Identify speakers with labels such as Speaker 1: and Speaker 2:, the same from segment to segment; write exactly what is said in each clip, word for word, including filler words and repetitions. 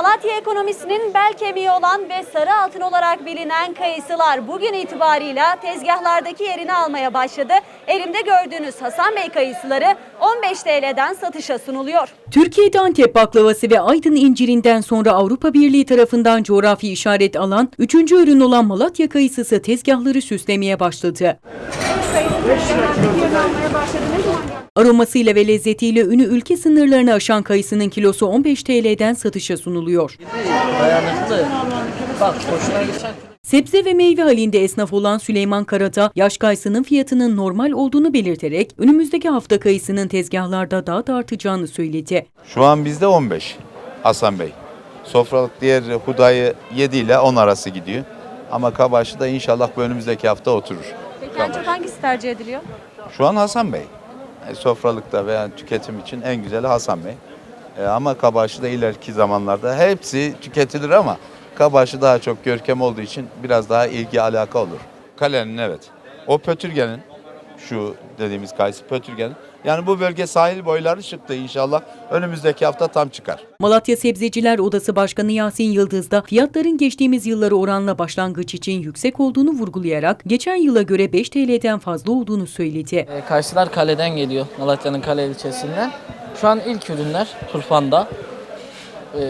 Speaker 1: Malatya ekonomisinin bel kemiği olan ve sarı altın olarak bilinen kayısılar bugün itibarıyla tezgahlardaki yerini almaya başladı. Elimde gördüğünüz Hasan Bey kayısıları on beş T L'den satışa sunuluyor.
Speaker 2: Türkiye'de Antep baklavası ve Aydın incirinden sonra Avrupa Birliği tarafından coğrafi işaret alan üçüncü ürün olan Malatya kayısısı tezgahları süslemeye başladı. Aromasıyla ve lezzetiyle ünü ülke sınırlarını aşan kayısının kilosu on beş T L'den satışa sunuluyor.
Speaker 3: Dayanıklı. Bak hoşuna geçen.
Speaker 2: Sebze ve meyve halinde esnaf olan Süleyman Karata, yaş kayısının fiyatının normal olduğunu belirterek önümüzdeki hafta kayısının tezgahlarda daha da artacağını söyledi.
Speaker 4: Şu an bizde on beş Hasan Bey. Sofralık diğer hudayı yedi ile on arası gidiyor. Ama kabaşı da inşallah bu önümüzdeki hafta oturur.
Speaker 1: Peki en çok hangisi tercih ediliyor?
Speaker 4: Şu an Hasan Bey. E, sofralıkta veya tüketim için en güzeli Hasan Bey. E, ama kabaşı da ileriki zamanlarda hepsi tüketilir ama kabaşı daha çok görkem olduğu için biraz daha ilgi alaka olur. Kalenin evet. O pötürgenin, şu dediğimiz kayısı pötürgenin. Yani bu bölge sahil boyları çıktı inşallah. Önümüzdeki hafta tam çıkar.
Speaker 2: Malatya Sebzeciler Odası Başkanı Yasin Yıldız da fiyatların geçtiğimiz yıllara oranla başlangıç için yüksek olduğunu vurgulayarak geçen yıla göre beş T L'den fazla olduğunu söyledi.
Speaker 3: E, kayısılar kaleden geliyor. Malatya'nın Kale ilçesinden. Şu an ilk ürünler Turfan'da. E,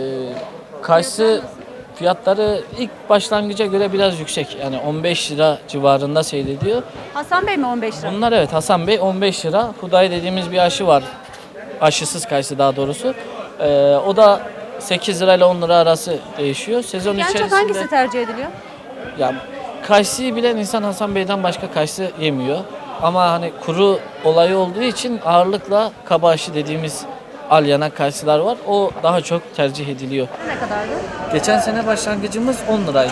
Speaker 3: kayısı fiyatları ilk başlangıca göre biraz yüksek. Yani on beş lira civarında seyrediyor.
Speaker 1: Hasan Bey mi on beş lira?
Speaker 3: Bunlar evet Hasan Bey on beş lira. Huday dediğimiz bir aşı var. Aşısız kayısı daha doğrusu. Ee, o da sekiz lira ile on lira arası değişiyor. Sezon
Speaker 1: En çok
Speaker 3: içerisinde
Speaker 1: hangisi tercih ediliyor?
Speaker 3: ya kayısıyı bilen insan Hasan Bey'den başka kayısı yemiyor. Ama hani kuru olayı olduğu için ağırlıkla kaba aşı dediğimiz alyanak kayısılar var. O daha çok tercih ediliyor.
Speaker 1: Ne kadardı?
Speaker 3: Geçen sene başlangıcımız on liraydı.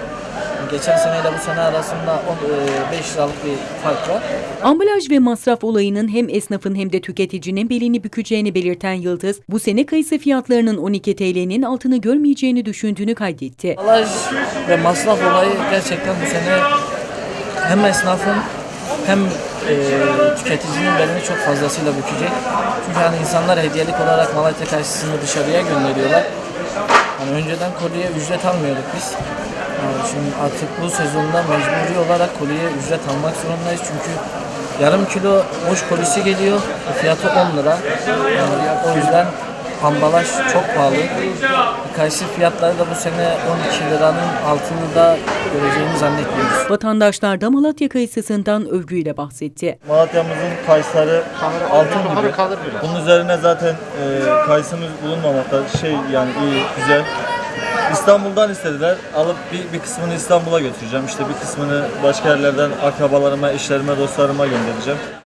Speaker 3: Geçen seneyle bu sene arasında beş liralık bir fark var.
Speaker 2: Ambalaj ve masraf olayının hem esnafın hem de tüketicinin belini bükeceğini belirten Yıldız, bu sene kayısı fiyatlarının on iki T L'nin altını görmeyeceğini düşündüğünü kaydetti.
Speaker 3: Ambalaj ve masraf olayı gerçekten bu sene hem esnafın hem e, tüketicinin belini çok fazlasıyla bükecek. Çünkü hani insanlar hediyelik olarak Malatya kayısısını dışarıya gönderiyorlar. Hani önceden kolye ücret almıyorduk biz. Yani şimdi artık bu sezonda mecburi olarak kolye ücret almak zorundayız. Çünkü yarım kilo boş kolisi geliyor. Fiyatı on lira. Yani o yüzden ambalaj çok pahalı. Kayısı fiyatları da bu sene on iki liranın altını da göreceğini zannetmiyoruz.
Speaker 2: Vatandaşlar da Malatya kayısısından övgüyle bahsetti.
Speaker 5: Malatya'mızın kayısıları altın gibi. Bunun üzerine zaten e, kayısımız bulunmamakta. Şey yani iyi, güzel. İstanbul'dan istediler. Alıp bir, bir kısmını İstanbul'a götüreceğim. İşte bir kısmını başka yerlerden akrabalarıma, eşlerime, dostlarıma göndereceğim.